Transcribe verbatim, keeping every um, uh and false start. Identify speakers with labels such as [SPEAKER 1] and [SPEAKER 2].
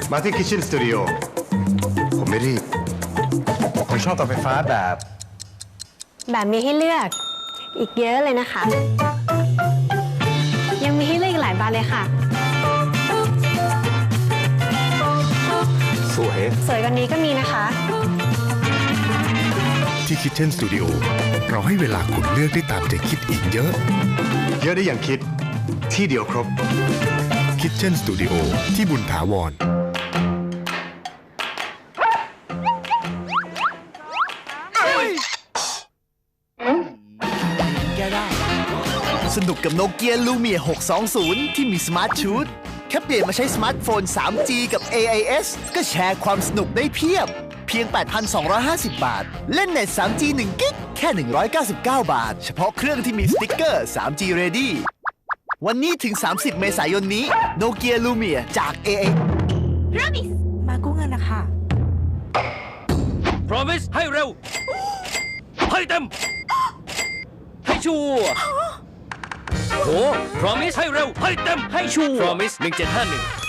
[SPEAKER 1] มาที่ Kitchen Studio ผมไม่รีบผมชอบเตาไฟฟ้าแบบ
[SPEAKER 2] แบบมีให้เลือกอีกเยอะเลยนะคะ ยังมีให้เลือกอีกหลายบานเลยค่ะ
[SPEAKER 1] สวย
[SPEAKER 2] สวยกว่านี้ก็มีนะคะ
[SPEAKER 3] ที่ Kitchen Studio เราให้เวลาคุณเลือกได้ตามใจคิดอีกเยอะ
[SPEAKER 1] เยอะได้อย่างคิดที่เดียวครบ
[SPEAKER 3] Kitchen Studio ที่บุญถาวร
[SPEAKER 4] แก้ได้สนุกกับโนเกียลูเมียหกสองศูนย์ที่มีสมาร์ทชูตแค่เปลี่ยนมาใช้สมาร์ทโฟน ทรีจี กับ เอ ไอ เอส ก็แชร์ความสนุกได้เพียบ เพียง แปดพันสองร้อยห้าสิบ บาท เล่นเน็ต ทรีจี หนึ่ง กิก แค่ หนึ่งร้อยเก้าสิบเก้า บาท เฉพาะเครื่องที่มีสติ๊กเกอร์ ทรีจี Ready วันนี้ถึง สามสิบ เมษายนนี้โนเกียลูเมียจาก เอ ไอ
[SPEAKER 5] Promise มากู้เงินนะคะ
[SPEAKER 6] Promise ให้เร็ว ให้เต็ม ให้ชัวร์โอ้ Promise ให้เร็ว ให้เต็ม ให้ชัวร์ Promise หนึ่งเจ็ดห้าหนึ่ง